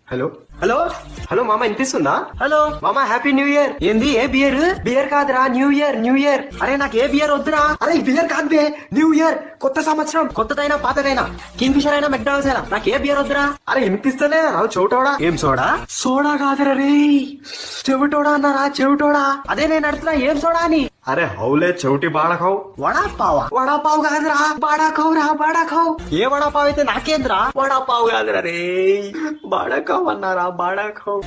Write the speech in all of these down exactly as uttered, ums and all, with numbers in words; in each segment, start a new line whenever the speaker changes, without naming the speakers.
Hello hello hello మామ వినిపిస్తుందా? Hello మామ హ్యాపీ న్యూ ఇయర్. ఏంది ఏ బియర్? బియర్ కాదురా న్యూ ఇయర్ న్యూ ఇయర్. అరే నాకు ఏ బియర్ వద్దురా. అరే బియర్ కాదు బే, న్యూ ఇయర్ కొత్త సంవత్సరం. కొత్తదైనా పాతదైనా కింగ్ ఫిషర్ అయినా మెక్డానల్డ్స్ అయినా నాకు ఏ బియర్ వద్దురా. అరే వినిపిస్తలే చోటోడా. ఏం సోడా? సోడా కాదురా రే, చెవిటోడా అన్నారా చెవిటోడా. అదే నేను అడుగుతున్నా ఏం సోడా అని. అరే హౌలే చౌటి బాడకావు. వడాపావా? వడాపావు కాదురా బాడాకావు రా బాడాకావు. ఏ వడాపావు అయితే నాకేంద్రా. వడాపావు కాదురా రే, బాడాకావు అన్నారా బాడాకావు.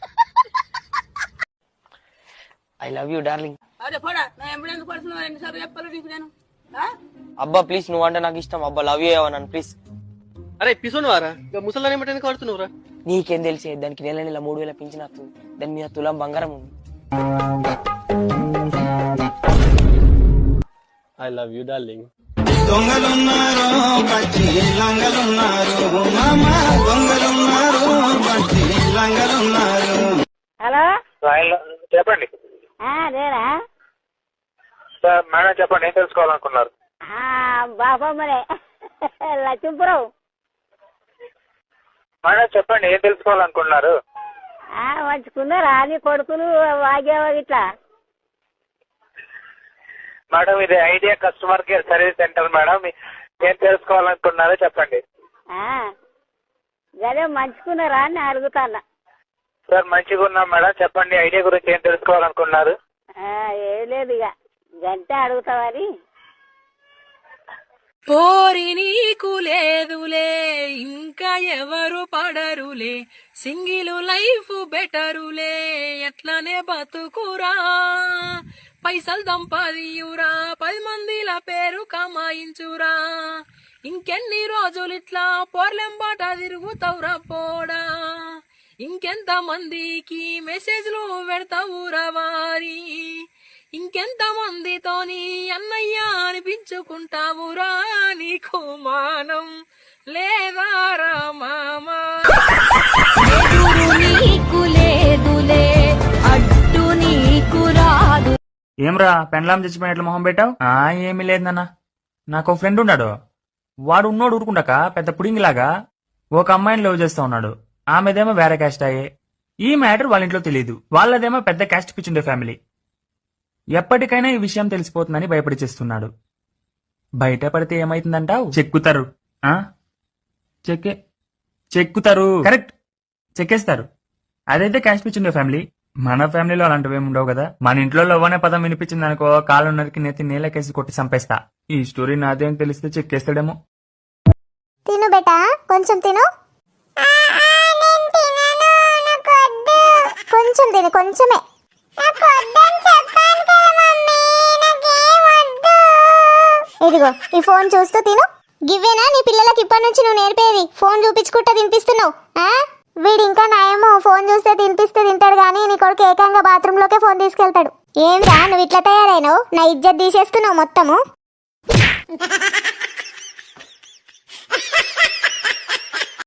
I love you darling.
అరే పోడా నా ఎంబడెందుకు పడుతున్నావు? ఎన్నిసార్లు చెప్పాలి నీకు నేను?
అబ్బా ప్లీజ్ నువ్వు అంటే నాకు ఇష్టం. అబ్బా లవ్ యూ ఏమన్నాను ప్లీజ్.
అరే పిసోను వారా ముసలాన్ని ఏమంటే కడుతున్నావురా?
నీకేం తెలిసే, దానికి నెల నెల మూడు వేల పింఛన్ వస్తుంది. దాని మీద తులం బంగారం ఉంది.
I love you darling.
దొంగలున్నారు పచ్చి లంగలున్నారు మామ, దొంగలున్నారు పచ్చి లంగలున్నారు.
హలో
చెప్పండి
అదేరా
సార్. మేడం చెప్పండి, ఏం తెలుసుకోవాలనుకున్నారు?
బాబమ్మనే లక్ష్మీపురం.
మేడం చెప్పండి, ఏం తెలుసుకోవాలనుకున్నారు?
మంచుకున్నారా నీ కొడుకులు వాగేవా ఇట్లా?
మేడం ఇది Idea customer care service centre madam. ఏం తెలుసుకోవాలనుకున్నారో చెప్పండి.
అదే మంచుకున్నారా అని అడుగుతాన్నా.
సార్ మంచిగా ఉన్నాం మేడం, చెప్పండి ఐడియా గురించి ఏం తెలుసుకోవాలనుకున్నారు?
ఏం లేదు ఇక గంటే అడుగుతావని.
పోరి నీకు లేదులే ఇంకా ఎవరు పడరులే, సింగిల్ లైఫ్ బెటరులే ఎట్లనే బతుకురా, పైసలు దంపదియురా, పది మందిల పేరు కమాయించురా, ఇంకెన్ని రోజులు ఇట్లా పోర్లెంబాట తిరుగుతావురా పోడా, ఇంకెంత మందికి మెసేజ్లు పెడతావురా వారి, ఇంకెంత మందితోని అన్నయ్య అనిపించుకుంటావురా, నీకు మానం లేదారా మామా.
నీకు లేదులే అడ్డు నీకు రాదు.
ఏమ్రా పెండ్లాం చచ్చిపోయినట్లు మొహం పెట్టావు? ఆ ఏమీ లేదు నాన్న, నాకు ఫ్రెండ్ ఉన్నాడు. వాడు ఉన్నోడు ఊరుకుంటాక పెద్ద పుడింగిలాగా ఒక అమ్మాయిని లవ్ చేస్తా ఉన్నాడు. ఆమెదేమో వేరే క్యాస్ట్ అయ్యే. ఈ మ్యాటర్ వాళ్ళ ఇంట్లో తెలియదు. వాళ్ళదేమో పెద్ద క్యాస్ట్ పిచ్చుండే ఫ్యామిలీ. ఎప్పటికైనా ఈ విషయం తెలిసిపోతుందని భయపడి చేస్తున్నాడు. బయట పడితే ఏమైతుందంటావు? చెక్కుతారు. ఆ చెక్కే చెక్కుతారు కరెక్ట్, చెక్కేస్తారు. అదైతే క్యాస్ట్ పిచ్చుండే ఫ్యామిలీ. మన ఫ్యామిలీలో అలాంటివి ఏమి ఉండవు కదా. మన ఇంట్లో లవ్ అనే పదం వినిపించింది అనుకో, కాళ్ళు నరికి నెత్తి నీళ్ళకేసి కొట్టి చంపేస్తా. ఈ స్టోరీ నాదేం తెలిస్తే చెక్కేస్తాడేమో.
తిను బేటా, కొంచెం తిను. కొంచెం తిను, కొంచెమే. ఇదిగో ఈ ఫోన్ చూస్తూ తిను. గివ్వేనా నీ పిల్లలకి ఇప్పటి నుంచి నువ్వు నేర్పేది? ఫోన్ చూపించుకుంటా తినిపిస్తున్నావు. వీడు ఇంకా నయము, ఫోన్ చూస్తే తినిపిస్తే తింటాడు గానీ నీ కొడుకు ఏకంగా బాత్రూమ్ లోకే ఫోన్ తీసుకెళ్తాడు. ఏమిరా నువ్వు ఇట్లా తయారైనావు? నా ఇజ్జత్ తీసేస్తున్నావు మొత్తము.